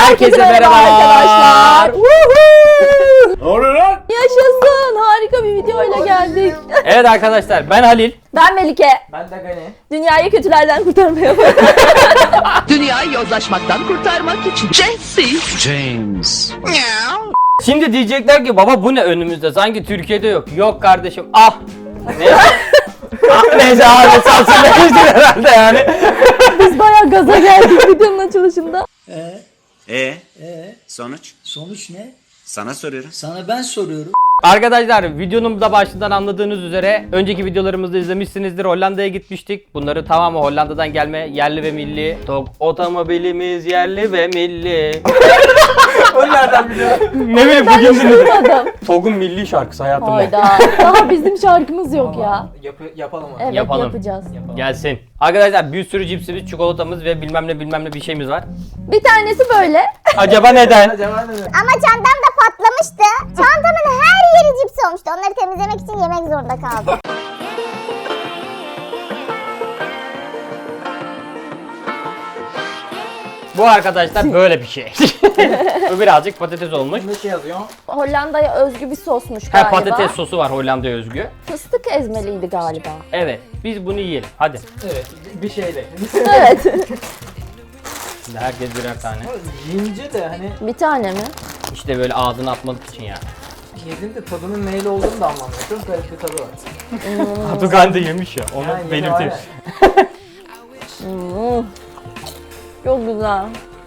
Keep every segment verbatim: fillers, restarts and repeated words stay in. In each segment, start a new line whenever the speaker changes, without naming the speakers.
Herkese merhaba arkadaşlar.
Ne oluyor lan?
Yaşasın. Harika bir videoyla geldik.
Evet arkadaşlar, ben Halil.
Ben Melike.
Ben de Gani.
Dünyayı kötülerden kurtarmaya
Dünyayı yozlaşmaktan kurtarmak için Jesse.
James.
Şimdi diyecekler ki baba bu ne önümüzde, sanki Türkiye'de yok. Yok kardeşim, ah. Neyse. ah neyse abi, sansürlemiştir herhalde yani.
Biz bayağı gaza geldik videonun açılışında.
Ee? Ee? Sonuç?
Sonuç ne?
Sana soruyorum.
Sana ben soruyorum.
Arkadaşlar, videonun da başından anladığınız üzere önceki videolarımızda izlemişsinizdir. Hollanda'ya gitmiştik. Bunları tamamı Hollanda'dan gelme, yerli ve milli. Tok otomobilimiz yerli ve milli.
Onu nereden biliyorsun?
Ne bileyim
Ben
bugün
hiç
dinledim.
duymadım.
Tog'un milli şarkısı hayatımda.
Hayda. Daha bizim şarkımız yok ya.
Yap yapalım onu.
Evet
Yapalım.
yapacağız.
Gelsin. Arkadaşlar, bir sürü cipsimiz, çikolatamız ve bilmem ne bilmem ne bir şeyimiz var.
Bir tanesi böyle.
Acaba neden?
Acaba ne?
Ama çantam da patlamıştı. Çantamın her yeri cips olmuştu. Onları temizlemek için yemek zorunda kaldım.
Bu arkadaşlar böyle bir şey. Bu birazcık patates olmuş.
Ne şey yazıyor?
Hollanda'ya özgü bir sosmuş
Ha,
galiba.
patates sosu var Hollanda'ya özgü.
Fıstık ezmeliydi galiba.
Evet, biz bunu yiyelim. Hadi.
Evet, bir şeyle.
Evet.
Şimdi herkes birer tane.
Yiyince de hani
Bir tane mi?
İşte böyle ağzına atmalık için yani.
yedin de tadının neyle olduğunu da anlamıyorum. Çok garip bir tadı var.
Hatugan da yemiş ya, onu
Yani
belirteyim.
aynen.
Hmm. Çok güzel.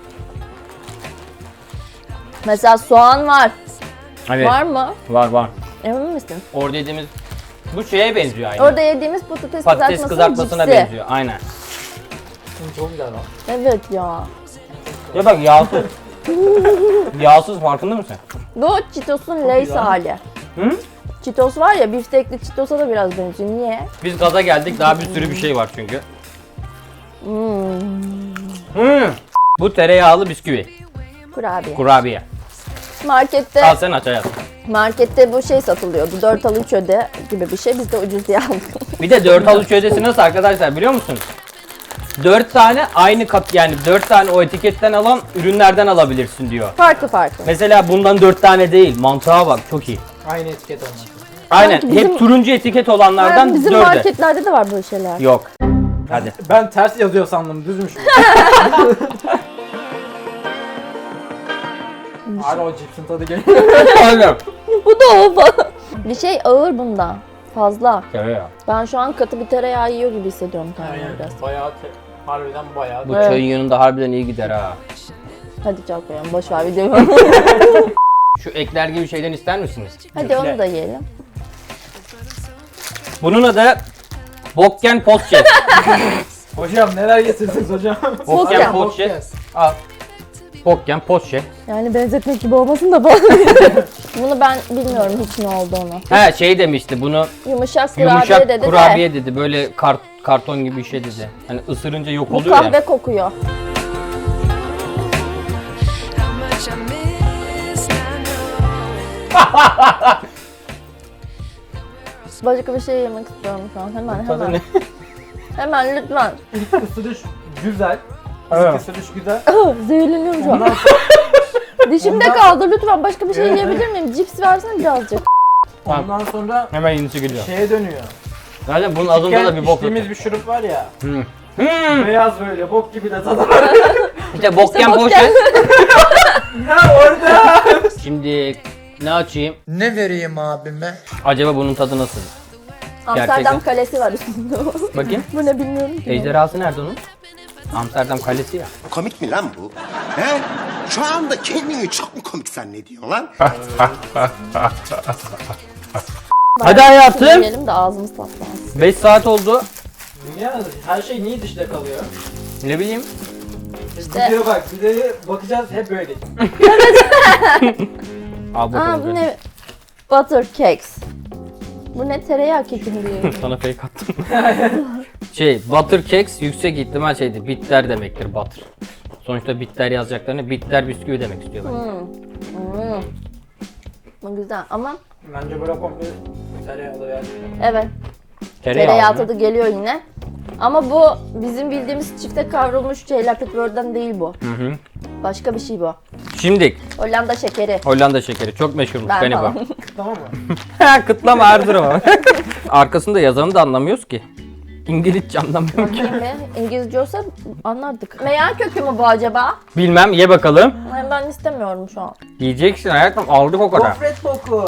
Mesela soğan var.
Evet,
Var mı?
var var.
Emin misin?
Orada yediğimiz bu şeye benziyor aynı.
Orada yediğimiz patates,
Patates
kızartmasının
kızartmasına
cipsi.
benziyor, aynen.
Çok güzel lan.
Evet ya.
Ya bak, yağsız. Yağsız, farkında mısın?
Bu Cheetos'un Lay's
güzel.
hali.
Hı?
Cheetos var ya, biftekli Cheetos'a da biraz benziyor. Niye?
Biz gaza geldik, daha bir sürü bir şey var çünkü.
Hmm.
Hmm. Bu tereyağlı bisküvi,
Kurabiye.
kurabiye.
Markette
Al sen aç hayatım.
markette bu şey satılıyordu. dört al üç öde gibi bir şey. Biz de ucuz diye aldık.
Bir de dört al üç ödesi nasıl arkadaşlar biliyor musunuz? dört tane aynı kat, yani dört tane o etiketten alan ürünlerden alabilirsin diyor.
Farklı farklı.
Mesela bundan dört tane değil, mantığa bak, çok iyi.
Aynı etiket olması.
Aynen,
Sanki bizim-
hep turuncu etiket olanlardan
Yani bizim
dörde.
marketlerde de var böyle şeyler.
Yok. Hadi.
Ben ters yazıyor sandım, düzmüş. Hala o cipsin tadı geliyor.
Aynen.
Bu da o falan. Bir şey ağır bunda. Fazla.
Tereyağı.
Ben şu an katı bir tereyağı yiyor gibi hissediyorum kendimi biraz.
Aynen. Bayağı te- harbiden bayağı.
Bu
Evet.
çayın yanında harbiden iyi gider ha.
Hadi çalkayalım. Boş ver videoyu.
Şu ekler gibi şeyden ister misiniz?
Hadi onu da yiyelim.
Bunun adı Bokken Potçe.
Hocam neler getirdiniz hocam?
Bokken
Bokken.
Potçe. Al. Bokken Potçe.
Yani benzetmek gibi olmasın da falan. Bunu ben bilmiyorum hiç ne olduğunu.
Ha, şey demişti, bunu
Yumuşak kurabiye
yumuşak
dedi
kurabiye
de.
dedi. Böyle kart, karton gibi bir şey dedi. Hani ısırınca yok
Bu
oluyor
kahve
ya.
kokuyor. Başka bir şey yemek istiyorum şu an. Hemen
Tadı
hemen.
ne?
Hemen lütfen.
Isırış güzel.
Evet.
Isırış güzel.
Zehirleniyorum şu an.
Ondan
Dişimde
Ondan-
kaldı. Lütfen başka bir şey yiyebilir miyim? Cips versene birazcık.
Ondan sonra
Hemen yenisi geliyor.
şeye dönüyor.
Zaten bunun adında da bir bok
içtiğimiz
yok.
bir şurup var ya.
Hmm. Hmm.
Beyaz böyle bok gibi de tadı var.
İşte Bokken
İşte
Potçe.
Bokken.
Ya orada.
Şimdi ne açayım?
Ne vereyim abime?
Acaba bunun tadı nasıl?
Amsterdam
Gerçekten.
kalesi var üstünde.
Bakayım.
Bu ne bilmiyorum ki.
Ejderhası nerede onun? Amsterdam Kalesi ya.
Komik mi lan bu? He? Şu anda kendini çok mu komik zannediyorsun lan?
Hadi hayatım.
Yiyelim de ağzımız tatlansın.
beş saat oldu.
Ya her şey niye dışta kalıyor?
Ne bileyim.
İşte.
Videoya bak, videoya bakacağız hep böyle.
Al
Aa
bakalım.
bu
böyle.
ne? Butter cakes. Bu ne, tereyağı keki mi diyor?
Sana fake attım. şey, butter cakes yüksek ihtimal şeydi, bitter demektir butter. Sonuçta bitter yazacaklarını bitter bisküvi demek istiyor bence.
Hmm. Hmm. Bu güzel ama
Bence bırak komple tereyağlı gerçekten.
evet.
Tereyağı,
Tereyağı
mı?
tadı geliyor yine. Ama bu bizim bildiğimiz çifte kavrulmuş şeyler, petibörden değil bu.
Hı hı.
Başka bir şey bu.
Şimdi
Hollanda şekeri.
Hollanda şekeri çok meşhurmuş
Ben
galiba.
falan.
Tamam mı?
Kıtlama Erzurum. Arkasında yazanı da anlamıyoruz ki. İngilizce anlamıyorum ki.
Mi? İngilizce olsa anlardık. Meyan kökü mü bu acaba?
Bilmem, ye bakalım.
Ben, ben istemiyorum şu an.
Yiyeceksin hayatım, aldık o kadar.
Gofret koku.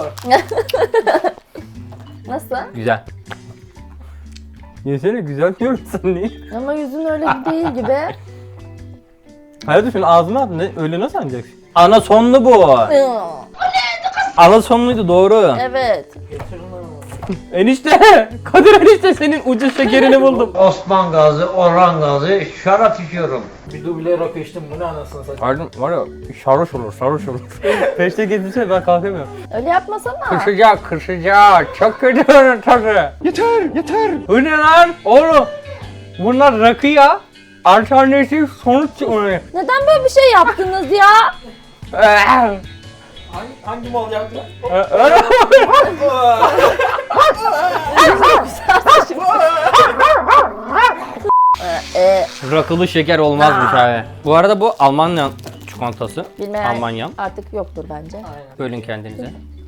Nasıl?
Güzel. Yesene, güzel diyorsun niye?
Ama yüzün öyle değil gibi.
Hayatım şunu ağzına at, ne, öyle nasıl anlayacaksın? Ana sonlu bu. Ana sonluydu, doğru.
Evet.
Enişte, Kadir enişte senin ucuz şekerini buldum.
Osman Gazi, Orhan Gazi şarap içiyorum.
Bir duble rakı içtim, bu ne anasını satayım.
Pardon, var ya sarhoş olur, sarhoş olur. Peşte getirsene ben kalkamıyorum.
Öyle yapmasana.
Kırışacak, kırışacak. Çok kötü onun tadı. Yeter, yeter. Bu ne lan? Oğlum, bunlar rakı ya. Alternatif sonuç çıkmıyor.
Neden böyle bir şey yaptınız ya?
Hangi, hangi mal yaptı?
Ee,
Rakılı şeker olmazmış abi. Bu arada bu Almanya çikolatası.
bilmeyen
Almanya.
artık yoktur bence.
Bölün kendinize.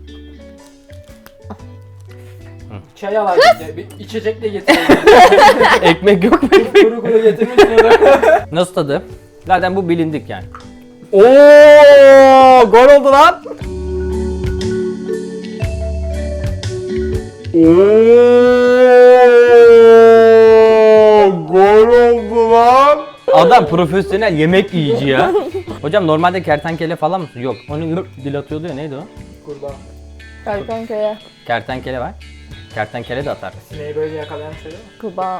Çay al abi, bir içecek de getirelim.
Ekmek yok mu?
Kuru kuru getirmişler.
Nasıl tadı? Zaten bu bilindik yani. Oo, gol oldu lan. Oo, gol oldu lan. Adam profesyonel yemek yiyici ya. Hocam normalde kertenkele falan mısın? Yok. Onu yürüp dil atıyordu ya, neydi o?
Kurban.
Kertenkele,
Kertenkele var. Kertenkele de atar.
Sineği böyle yakalayan şey değil mi?
kurbağa.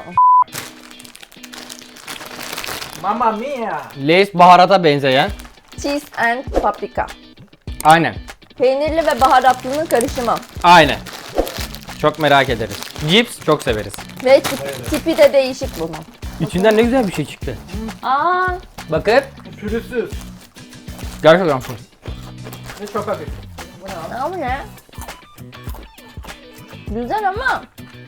Mamma mia.
Lay's baharata benzeyen.
Cheese and paprika.
Aynen.
Peynirli ve baharatlının karışımı.
Aynen. Çok merak ederiz. Cips çok severiz.
Ve tip- tipi de değişik bunun.
İçinden ne güzel bir şey çıktı.
Aa,
Bakın.
Pürüzsüz
Gerçekten full.
ve çok hafif.
ama ne? Güzel ama.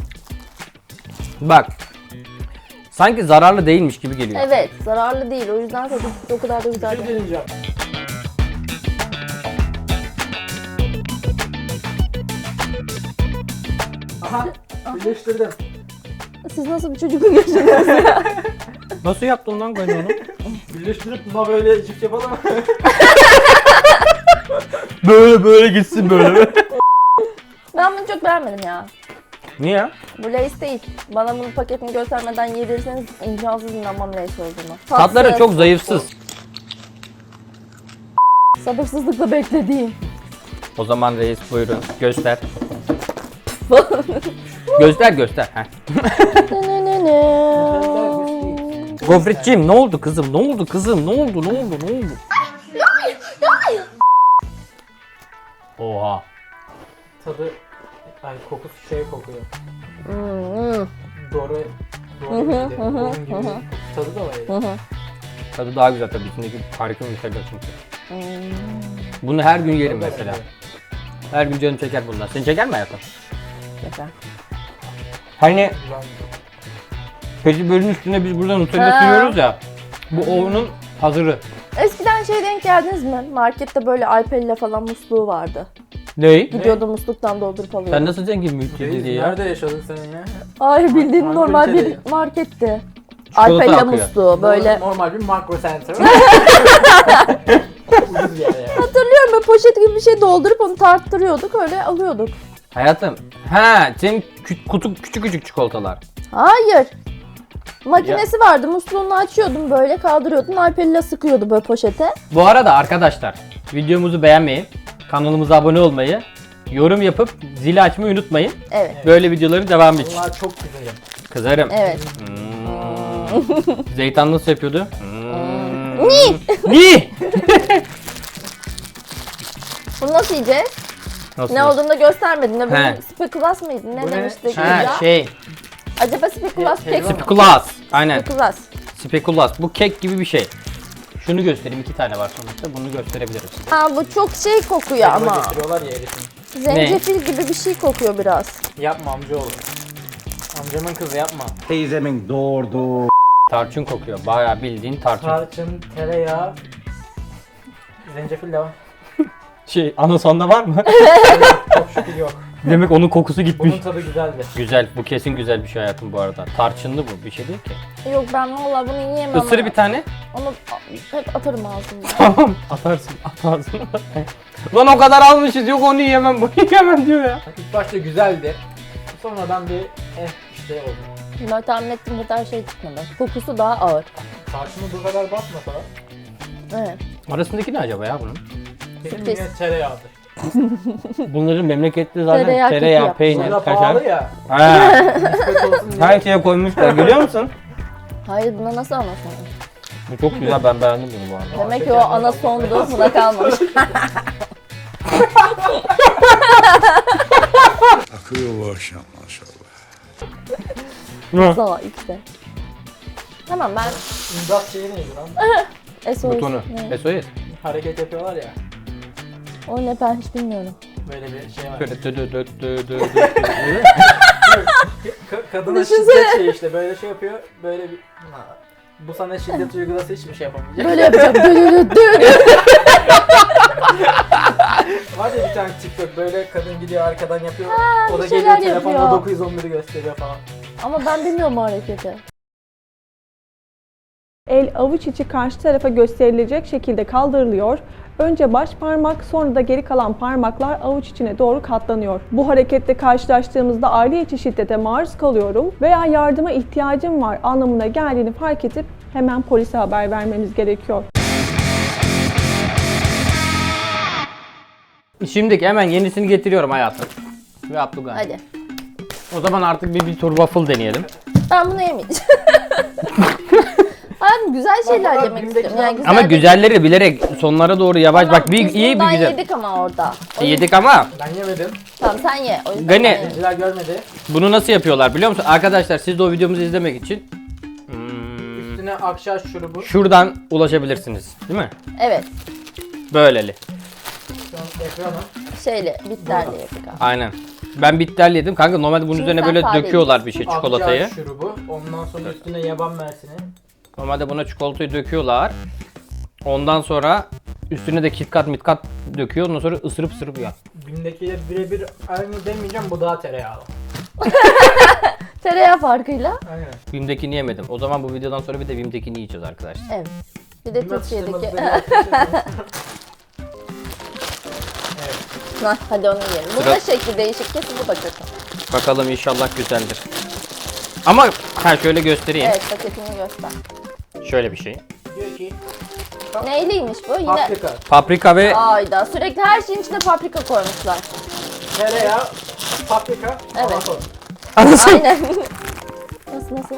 Bak. Sanki zararlı değilmiş gibi geliyor.
Evet, zararlı değil. O yüzden tadı o kadar da güzel
Bir
değil.
şey deneyeceğim. Aha, birleştirdim.
Siz nasıl bir çocukluk yaşadınız?
Nasıl yaptın lan böyle onu?
Birleştirip buna böyle cips yapalım mı?
böyle böyle gitsin böyle.
Ben bunu çok beğenmedim ya.
Niye?
Bu Lay's değil. Bana bunun paketini göstermeden yedirseniz imkansız inanmam Lay's olduğunu.
Tatları
Tatsız,
çok zayıfsız.
sabırsızlıkla beklediğim.
O zaman reis buyurun göster. göster göster. Heh. Gofretciğim ne oldu kızım? Ne oldu kızım? Ne oldu? Ne oldu? Ne oldu? Oha.
Tadı, ay kokusu şey kokuyor.
Hmm,
Dore, Dore miydi? Onun gibi tadı da var ya.
Tadı daha güzel tabii. İçindeki harika bir şey çünkü. Bunu her gün yerim mesela. Her gün canım çeker bundan. Seni çeker mi hayatım?
Güzel.
Hani petibörün üstüne biz buradan Nutella
Ha.
sürüyoruz ya. Bu onun hazırı.
Eskiden şey denk geldiniz mi? Markette böyle Alpella falan musluğu vardı.
Ney?
Gidiyordu musluktan doldurup alıyordu.
Sen nasıl zengin mülteci
Reis,
diye ya?
nerede yaşadın sen ya?
Hayır bildiğin
Market
normal bir
içeri.
marketti.
Çikolata
Alpella
akıyor.
musluğu böyle.
Normal bir makro center. Ucuz bir yer ya.
Hatırlıyorum böyle poşet gibi bir şey doldurup onu tarttırıyorduk öyle alıyorduk.
Hayatım. Ha, senin kü- kutu küçük küçük çikolatalar.
Hayır. Makinesi vardı musluğunu açıyordun böyle kaldırıyordun Alpella sıkıyordu böyle poşete.
Bu arada arkadaşlar videomuzu beğenmeyi, kanalımıza abone olmayı, yorum yapıp zili açmayı unutmayın.
Evet.
Böyle videoların devamı için.
Bunlar çok güzel.
Kızarım.
Evet.
Hmm. Zeytan nasıl yapıyordu? Hmm. Ni?
Bunu nasıl yiyeceğiz?
Nasıl?
Ne olduğunu da göstermedin. Ne
He.
bunun spekulas mıydı? Ne,
Bu ne?
demiştik
Ha
ya?
şey,
Acaba spekulas
Şey-
kek mi?
spekulas. Aynen.
Spekulas.
Spekulas. Bu kek gibi bir şey. Şunu göstereyim. iki tane var sonuçta. Bunu gösterebiliriz.
Aa bu çok şey kokuyor
Ama.
ama.
Getiriyorlar ya erisin.
Zencefil gibi bir şey kokuyor biraz.
Yapma amcaoğlu. Amcamın kızı yapma.
Teyzemin doğurduğu.
Tarçın kokuyor. Bayağı bildiğin tarçın.
Tarçın, tereyağı, Zencefil de var.
Şey anasonda var mı?
Çok şükür yok.
Demek onun kokusu gitmiş.
Bunun tadı güzeldi.
Güzel, bu kesin güzel bir şey hayatım bu arada. Tarçınlı bu, bir şey değil ki.
Yok ben valla bunu yiyemem.
Isır bir tane.
Onu hep atarım ağzımda.
Tamam, atarsın, atarsın. Lan o kadar almışız, yok onu yiyemem, bunu yiyemem diyor ya.
İlk başta güzeldi. Sonradan bir eh işte oldu.
Ben tahmin ettiğim kadar şey çıkmadı. Kokusu daha ağır.
Tarçını bu kadar basmasa da
Evet.
Arasındaki ne acaba ya bunun?
kesin
Sürpriz.
yine tereyağıdır.
Bunların memlekette zaten
Tereyağı
tereyağı,
keki
peynir,
Burada
kaşar.
pahalı ya.
Ha,
Nispet olsun diye.
her şeye koymuşlar, görüyor musun?
Hayır buna nasıl anasın?
Bu çok güzel, ben beğendim bunu bu arada.
Demek ki o ana sondu buna kalmamış.
Akıyor bu akşam maşallah.
Zala işte. Tamam ben
İmdat şeyi neydi lan?
S O S.
Butonu.
Ne?
S O S.
Hareket yapıyorlar ya.
O ne ben hiç bilmiyorum.
Böyle bir şey var.
Böyle dö dö dö dö dö dö.
Ka- kadına şiddet şey işte böyle şey yapıyor. Böyle bir bu sana şiddet uygulası hiçbir şey yapamayacak.
Böyle yapacağım. Dö dö dö dö.
Var ya bir tane TikTok böyle kadın gidiyor arkadan yapıyor.
Ha,
o da
bir
geliyor
şeyler
telefonla
yapıyor.
dokuz yüz on biri gösteriyor falan.
Ama ben bilmiyorum o hareketi.
El avuç içi karşı tarafa gösterilecek şekilde kaldırılıyor. Önce baş parmak, sonra da geri kalan parmaklar avuç içine doğru katlanıyor. Bu harekette karşılaştığımızda aile içi şiddete maruz kalıyorum veya yardıma ihtiyacım var anlamına geldiğini fark edip hemen polise haber vermemiz gerekiyor.
Şimdi hemen yenisini getiriyorum hayatım. Ve Abdülgan.
Hadi.
O zaman artık bir, bir tur waffle deneyelim.
Ben bunu yemeyeceğim. Ben güzel şeyler
bunlar
yemek
bimdeki
istiyorum. Yani güzel
Ama
bir-
güzelleri bilerek sonlara doğru yavaş
Tamam,
bak bir
biz
iyi bir
bundan
güzel.
yedik ama orada. O yüzden-
Yedik ama
Ben yemedim.
Tamam sen ye. O yüzden
Gani.
ben yemeyeyim.
Zenciler görmedi.
bunu nasıl yapıyorlar biliyor musun? Arkadaşlar siz de o videomuzu izlemek için hmm,
Üstüne akşar şurubu.
şuradan ulaşabilirsiniz. Değil mi?
Evet.
Böyleli.
Şu an ekrana.
Şeyle, bitterle yedik abi.
Aynen. Ben bitter yedim. Kanka normalde bunun
Şimdi
üzerine
sen
böyle
sade
döküyorlar bir şey çikolatayı.
Akçaağaç şurubu. Ondan sonra üstüne yaban mersini.
Normalde buna çikolatayı döküyorlar. Ondan sonra üstüne de KitKat mitkat döküyor. Ondan sonra ısırıp ısırıp ya.
Bim'dekiyle birebir aynı demeyeceğim, bu daha tereyağlı.
Tereyağı farkıyla.
Aynen.
Bim'dekini yemedim. O zaman bu videodan sonra bir de Bim'dekini yiyeceğiz arkadaşlar.
Evet. Bir de
Bim
Türkiye'deki.
atıştırmalıkları yapıyorsunuz.
Hah, hadi onu yiyelim. Bunun
Sıra-
da şekli değişik. Kesin bu da kötü.
Bakalım inşallah güzeldir. Ama ha şöyle göstereyim.
Evet paketini göster.
Şöyle bir şey.
Diyor ki
Neyliymiş bu? Yine.
paprika,
Paprika ve
Ayda sürekli her şeyin içine paprika koymuşlar.
tereyağı, paprika,
Evet.
avokado.
Aynen. Nasıl nasıl?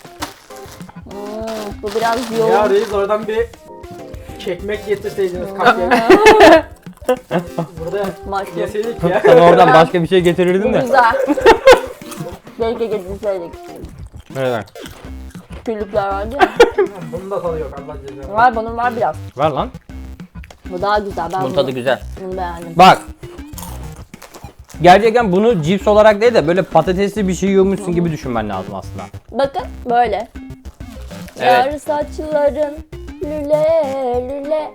Hmm, bu biraz
Ya
yoğun.
reis oradan bir kekmek getirseydiniz kapya. Burada
Maşallah.
yeseydik ya.
sen oradan başka bir şey getirirdin
Bu
de.
güzel. Belki getirseydik.
Evet.
Küllükler vardı ya.
Bunun da tadı yok Allah cezanı.
Var bunun var biraz.
Ver lan.
Bu daha güzel. Ben
Bunun
bunu,
tadı güzel.
bunu beğendim.
Bak. Gerçekten bunu cips olarak değil de böyle patatesli bir şey yiyormuşsun gibi düşünmen lazım aslında.
Bakın böyle.
Evet.
Yar saçların lüle lüle.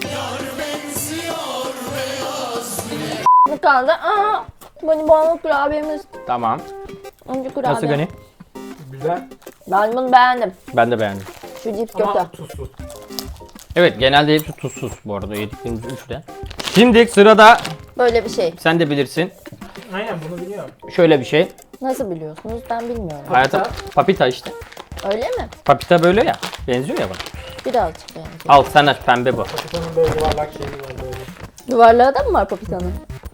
Bu kaldı. Aa, bonibonlu kurabiyemiz.
Tamam.
Önce kurabiye.
Nasıl Gani?
Güzel
Ben bunu beğendim.
Ben de beğendim.
Şu cips kötü.
ama tuzsuz.
Evet genelde hepsi tuzsuz bu arada yediklerimiz üçte. Şimdi sırada
Böyle bir şey.
sen de bilirsin.
Aynen bunu biliyorum.
Şöyle bir şey.
Nasıl biliyorsunuz? Ben bilmiyorum.
Hayata papita işte.
Öyle mi?
Papita böyle ya. Benziyor ya bana.
Birazcık benziyor.
Al sen aç pembe bu.
Papitanın böyle yuvarlak şeyi var böyle.
Yuvarlağı da mı var papitanın?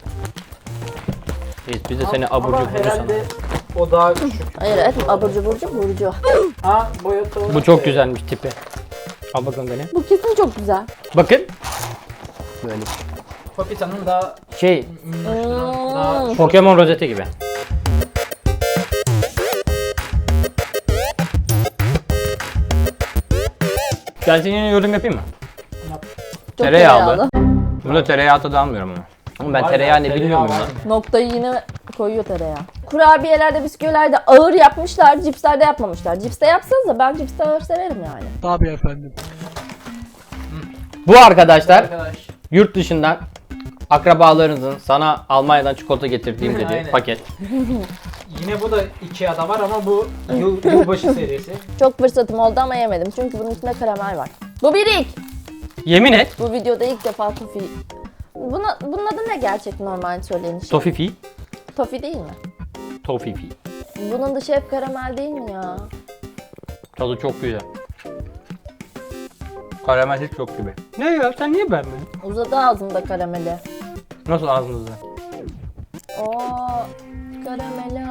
Biz, biz de seni abur
Ama
cubur
herhalde o daha küçük.
Hayır evet aburcu burcu burcu.
Ha boyutu olarak
Bu çok
da-
güzelmiş tipi. Al bakalım Gani.
Bu kesin çok güzel.
Bakın. Böyle.
Papitanın daha
Şey
minnoşluğu, daha
Pokemon rozeti gibi. Ben senin yorum yapayım mı?
Çok
Tereyağlı. Bunda tereyağı tadı almıyorum ama. Ama ben
Var
tereyağı
ya,
ne
tereyağı
bilmiyorum
var
lan.
mı?
Noktayı yine koyuyor tereyağı. Kurabiyelerde, bisküvilerde ağır yapmışlar, cipslerde yapmamışlar. Cipste yapsanız da ben cipste ağır severim yani.
Bu arkadaşlar
Arkadaş
Yurt dışından akrabalarınızın sana Almanya'dan çikolata getirdiğim dediği
Aynen.
paket.
Yine bu da Ikea'da var ama bu yıl, yılbaşı serisi.
Çok fırsatım oldu ama yemedim. Çünkü bunun içinde karamel var. Bu bir ilk.
Yemin et.
Bu videoda ilk defa tofi. Buna, bunun adı ne gerçek normal söylenişi?
Tofifi.
Tofi değil mi?
Tofifi.
Bunun dışı hep karamel değil mi ya?
Tadı çok güzel. Karamel hiç yok gibi. Ne ya sen niye beğenmedin?
Uzadı ağzımda karameli.
Nasıl ağzınızda?
Oo, karameli.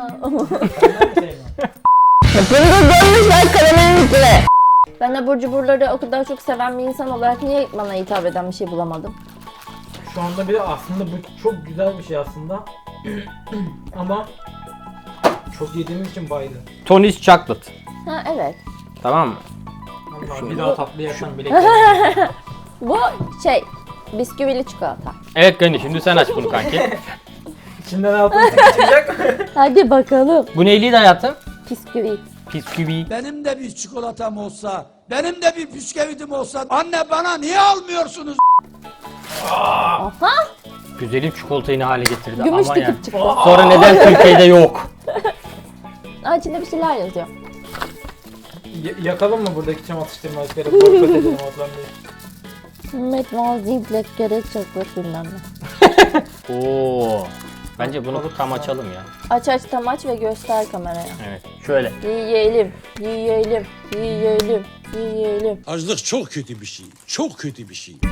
Ben abur cuburları o kadar çok seven bir insan olarak niye bana hitap eden bir şey bulamadım?
Şu anda bir de aslında bu çok güzel bir şey aslında. Ama çok yediğimiz için baydı.
Tony's Chocolate.
Ha evet.
Tamam mı?
Vallahi bir daha tatlı yersen bile yerim.
Bu şey, bisküvili çikolata.
Evet Gani şimdi sen aç bunu kanki.
İçinden altın çıkacak.
Hadi bakalım.
Bu neyliydi hayatım?
Bisküvi.
Bisküvi.
Benim de bir çikolatam olsa, benim de bir bisküvitim olsa anne bana niye almıyorsunuz?
Aha.
Güzelim çikolatayı ne hale getirdi
Gümüş
ama yani.
dikip çıktı.
Sonra neden Türkiye'de yok?
Aa, içinde bir şeyler yazıyor.
Y- yakalım mı buradaki çam atıştırmalıkları? Boykot edelim Hollanda'yı.
Mademoiselle Black Garage Chocolate bilmem ne.
Oo. Bence bunu tam açalım ya.
Aç aç tam aç ve göster kameraya.
Evet. Şöyle.
Yiyelim, yiyelim, yiyelim, yiyelim.
Açlık çok kötü bir şey. Çok kötü bir şey.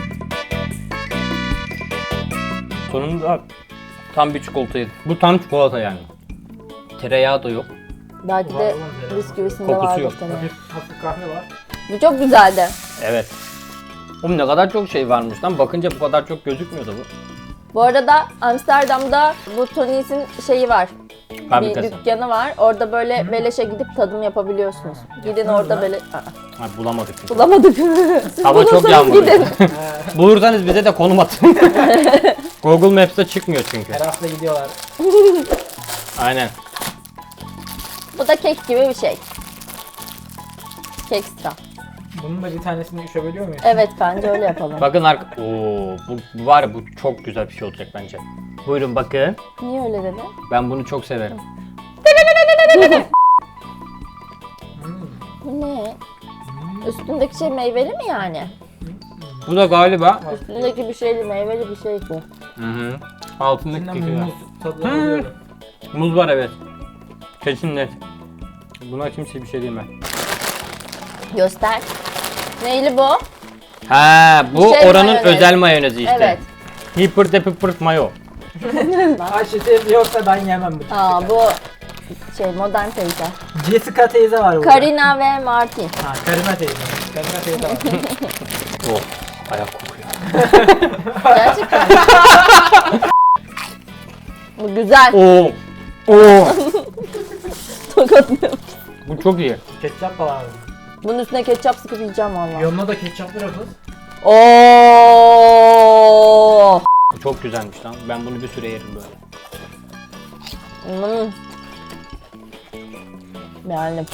Sonunda tam bir çikolata yedim. Bu tam çikolata yani. Tereyağı da yok.
Belki
Var
de
oğlum, herhalde.
bisküvisinde
Kokusu
vardır
yok.
senin.
Hafif, hafif kahve var.
Bu çok güzeldi.
Evet. Oğlum ne kadar çok şey varmış lan. Bakınca bu kadar çok gözükmüyordu bu.
Bu arada Amsterdam'da bu Tony's'in şeyi var. Bir
Fabrikası.
dükkanı var. Orada böyle beleşe gidip tadım yapabiliyorsunuz. Gidin orada böyle... Aa,
Ha, bulamadık. biz.
bulamadık. Siz
Hava çok
bulursanız
yağmurlu.
gidin.
Bulursanız bize de konum atın. Google Maps'te çıkmıyor çünkü.
Her hafta gidiyorlar.
Aynen.
Bu da kek gibi bir şey. Kekstra.
Bunun da bir tanesini üşebiliyor muyuz?
Evet bence öyle yapalım.
Bakın arka... Oo, bu, bu var ya bu çok güzel bir şey olacak bence. Buyurun bakın.
Niye öyle dedin?
Ben bunu çok severim.
Bu ne? Üstündeki şey meyveli mi yani?
Bu da galiba...
Üstündeki bir şeyli meyveli bir şey bu.
Hı hı. Altındaki
İçinden
keki var.
muz tadı alıyorum.
Muz var evet. Kesin net. Buna kimse bir şey diyemez.
Göster. Neyli bu?
Ha, bu
Şey
oranın
mayonez.
özel mayonezi işte.
Evet.
Hipper de pıpır mayo.
Ayşe yoksa ben yemem bu.
Aa bu şey modern teyze.
Jessica teyze var burada.
Karina ve Martin.
Ha, Karina teyze. Karina teyze var.
Oh, ayak kokuyor.
Gerçekten. Bu güzel.
Oo. Oo.
Tokatlıyorum.
Bu çok iyi.
Ketçap da var.
Bunun üstüne ketçap sıkıp yiyeceğim valla.
Yanına da ketçap bırakın.
Oo.
Bu çok güzelmiş lan. Ben bunu bir süre yerim böyle.
Hmm. Beğendim.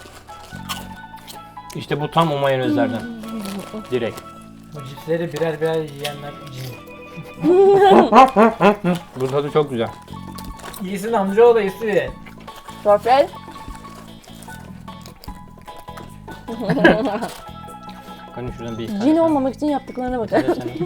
İşte bu tam o mayonezlerden. Direkt.
Bu cipsleri birer birer yiyenler cin.
Bu tadı çok güzel.
İyisin amcaoğlu da iyisi.
Sofrel.
Hani şuradan bir
Cin olmamak için yaptıklarına bakın.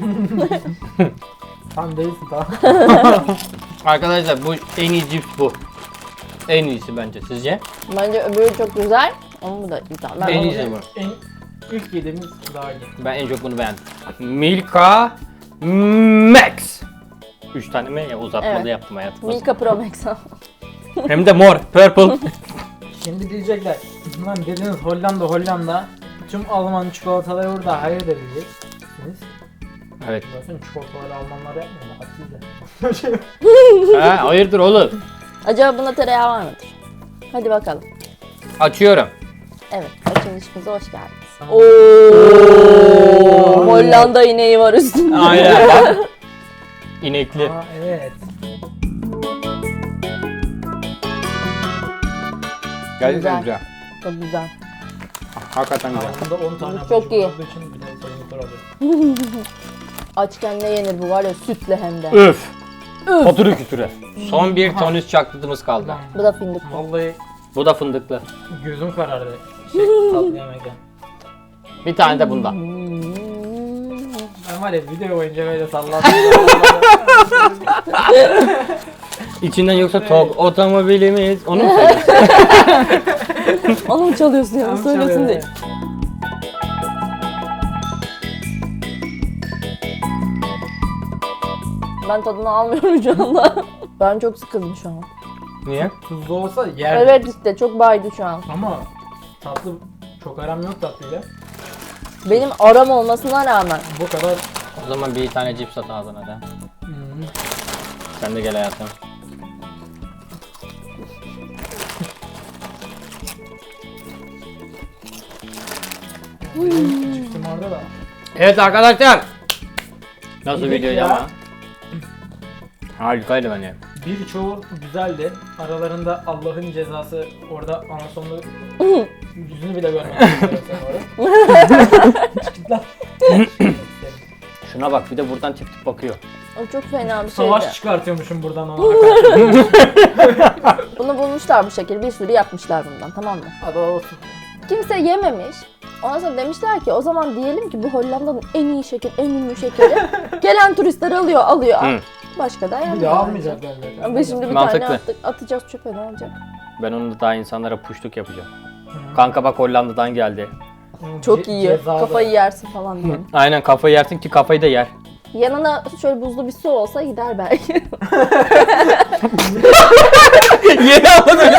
Tam değilsin tamam.
Arkadaşlar bu en iyi cips bu. En iyisi bence sizce?
Bence öbürü çok güzel. Ama bu da güzel. Ben
En
onu-
iyisi bu.
En ilk yediğimiz daha iyi.
Ben en çok bunu beğendim. Milka Max. Üç tane mi ya uzatmalı
Evet.
yaptım hayatım.
Milka Pro Max.
Hem de mor, purple.
Şimdi diyecekler. Lan dediniz Hollanda Hollanda. Tüm Alman çikolataları burada hayır diyeceksiniz.
Evet.
Zaten çikolataları Almanlar yapmıyor mu? Haksız ya.
Ha, hayırdır oğlum?
Acaba bunda tereyağı var mıdır? Hadi bakalım.
Açıyorum.
Evet, açılışımıza hoş geldiniz. Oo, Hollanda ineği var üstünde.
Aynen bak. İnekli.
Aa evet.
Gerçekten
Güzel.
güzel.
Çok güzel.
Hakikaten güzel.
Bunda on tane
Bu çok
abur
iyi.
olduğu için bir de sayımızlar alıyor.
Açken ne yenir bu var ya, sütle hem de.
Öf. Oturun kütüre. Son bir tonüs çaklıtımız kaldı.
Bu da fındık.
Vallahi
Bu da fındıklı.
gözüm karardı. Şey tatlı yemekten.
Bir tane de bundan.
Ben var ya video boyunca böyle salladım.
İçinden yoksa tok otomobilimiz. Onu mu söylüyorsun?
Onu mu çalıyorsun ya?
Tamam,
Söylesin
çalıyorum.
değil. Ben tadını almıyorum şu anda. Ben çok sıkıldım şu an.
Niye?
Tuzlu olsa yer.
Evet işte çok baydı şu an.
Ama tatlı çok aram yok tatlıyla.
Benim aram olmasına rağmen.
Bu kadar.
O zaman bir tane cips at ağzına da.
Hmm.
Sen de gel hayatım.
Çıktım orada da.
Evet arkadaşlar. Nasıl
İyiydik
videoydu
ya.
ama? Harikaydı bence.
Birçoğu güzeldi. Aralarında Allah'ın cezası orada anasonlu yüzünü bile görmedim.
Şuna bak bir de buradan tip tip bakıyor.
O çok fena bir şeydi.
Savaş çıkartıyormuşum buradan ona karşı.
Bunu bulmuşlar bu şekil. Bir sürü yapmışlar bundan, tamam mı?
Hadi olsun.
Kimse yememiş. Ondan sonra demişler ki o zaman diyelim ki bu Hollanda'nın en iyi şeker, en ünlü şekeri. Gelen turistler alıyor, alıyor.
Hı.
Başka da
Bir
yenmiyor.
daha almayacaklar zaten.
Ama şimdi bir
Mantıklı.
tane attık, atacağız çöpe, ne olacak?
Ben onu da daha insanlara puşluk yapacağım. Kanka bak Hollanda'dan geldi.
Çok
Ce-
iyi,
cezada.
kafayı yersin falan diye.
Aynen kafayı yersin ki kafayı da yer.
Yanına şöyle buzlu bir su olsa gider belki.
Yeni anladım.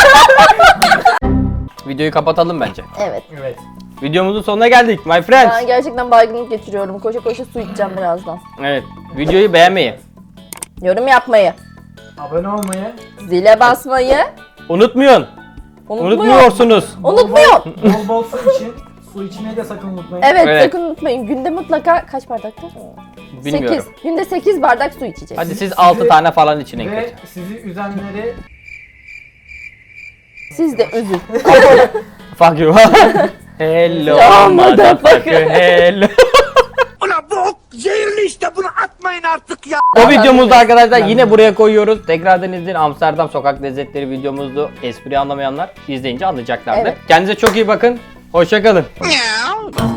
Videoyu kapatalım bence.
Evet.
Evet.
Videomuzun sonuna geldik my friends.
Ben gerçekten baygınlık geçiriyorum. Koşa koşa su içeceğim birazdan.
Evet. Videoyu beğenmeyi,
Yorum yapmayı,
Abone olmayı,
zile basmayı
unutmayın.
unutmuyor.
Unutmuyorsunuz.
Unutmuyor.
bol bol su için. Su içmeyi de sakın unutmayın.
Evet,
Evet.
sakın unutmayın. Günde mutlaka kaç bardakta?
Bilmiyorum.
sekiz. Günde sekiz bardak su içeceğiz.
Hadi siz altı tane falan için en
Ve
kötü.
sizi üzenleri
Siz de üzün.
Fuck you. Hello
Ya,
motherfucker hello.
Ulan bu ok zehirli işte, bunu atmayın artık ya.
O videomuzda arkadaşlar yine buraya koyuyoruz. Tekrardan izleyin. Amsterdam sokak lezzetleri videomuzdu. Espri anlamayanlar izleyince anlayacaklardır.
Evet.
Kendinize çok iyi bakın. Hoşça kalın.
Ya.